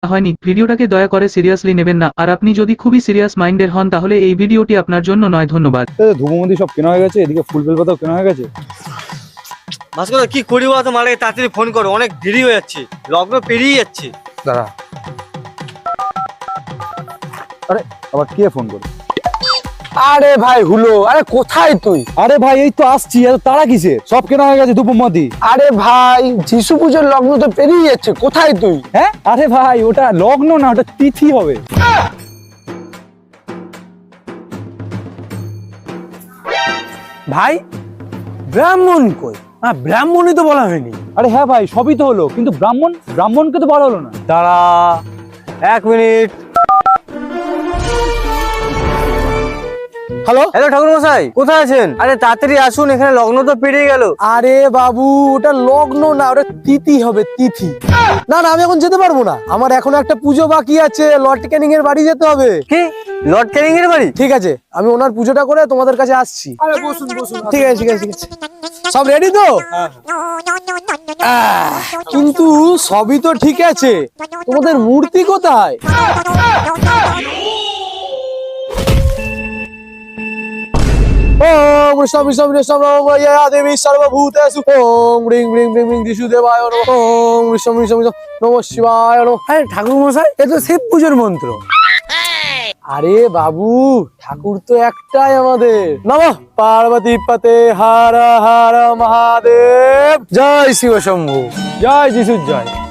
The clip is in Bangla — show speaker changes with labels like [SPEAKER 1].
[SPEAKER 1] হয়নি, ভিডিওটাকে দয়া করে সিরিয়াসলি নেবেন না। আর আপনি যদি খুবই সিরিয়াস মাইন্ডের হন তাহলে এই ভিডিওটি আপনার জন্য নয়। ধন্যবাদ।
[SPEAKER 2] ধূপমন্দি সব কেনা হয়ে গেছে, এদিকে ফুল বেলপাতাও কেনা হয়ে গেছে।
[SPEAKER 3] ভাস্কর কি করি বলতো, মালে তাড়াতাড়ি ফোন করো, অনেক দেরি হয়ে যাচ্ছে, লগ্ন পেরিয়ে যাচ্ছে।
[SPEAKER 2] দাঁড়া, আরে আবার কে ফোন করে?
[SPEAKER 4] আরে ভাই হুলো, আরে কোথায় তুই?
[SPEAKER 2] আরে ভাই এই তো আসছি, এত তারা কিসে? সব কেনা হয়ে গেছে ধূপমন্দি।
[SPEAKER 4] আরে ভাই যিশু পুজোর লগ্ন তো পেরিয়ে যাচ্ছে, কোথায় তুই?
[SPEAKER 2] হ্যাঁ আরে ভাই ওটা লগ্ন না, ওটা তিথি হবে।
[SPEAKER 4] ভাই ব্রাহ্মণ কই? ব্রাহ্মণই তো বলা হয়নি।
[SPEAKER 2] আরে হ্যাঁ ভাই সবই তো হলো, কিন্তু ব্রাহ্মণকে তো বলা হলো না।
[SPEAKER 3] দাঁড়া 1 মিনিট।
[SPEAKER 4] হ্যালো
[SPEAKER 3] হ্যালো ঠাকুর মশাই, কোথায় আছেন? আরে তাড়াতাড়ি আসুন, এখানে লগ্ন তো পেরিয়ে গেল।
[SPEAKER 4] আরে বাবু ওটা লগ্ন না, ওটা তিথি হবে, তিথি। না না আমি এখন যেতে পারবো না, আমার এখন একটা পুজো বাকি আছে, লর্ড ক্যানিং এর বাড়ি যেতে হবে।
[SPEAKER 3] কি লর্ড ক্যানিং এর বাড়ি?
[SPEAKER 4] ঠিক আছে আমি ওনার পুজোটা করে তোমাদের কাছে আসছি। ঠিক আছে ঠিক আছে ঠিক আছে, সব রেডি তো? কিন্তু সবই তো ঠিক আছে, তোমাদের মূর্তি কোথায়? ওম কৃষ্ণ বিষ্ণু বিষ্ণু নমঃ দেবী সর্বভূতেষু ওম হ্রিং হ্রিং হ্রিং হ্রিং দিশুদেবায় নমঃ ওম কৃষ্ণ বিষ্ণু বিষ্ণু নমঃ শিবায় নমঃ। আরে ঠাকুর মশাই এ তো শিব পুজোর মন্ত্র। আরে বাবু ঠাকুর তো একটাই আমাদের। নমঃ পার্বতী পতে হর হর মহাদেব, জয় শিব শম্ভু,
[SPEAKER 2] জয় যিশুর জয়।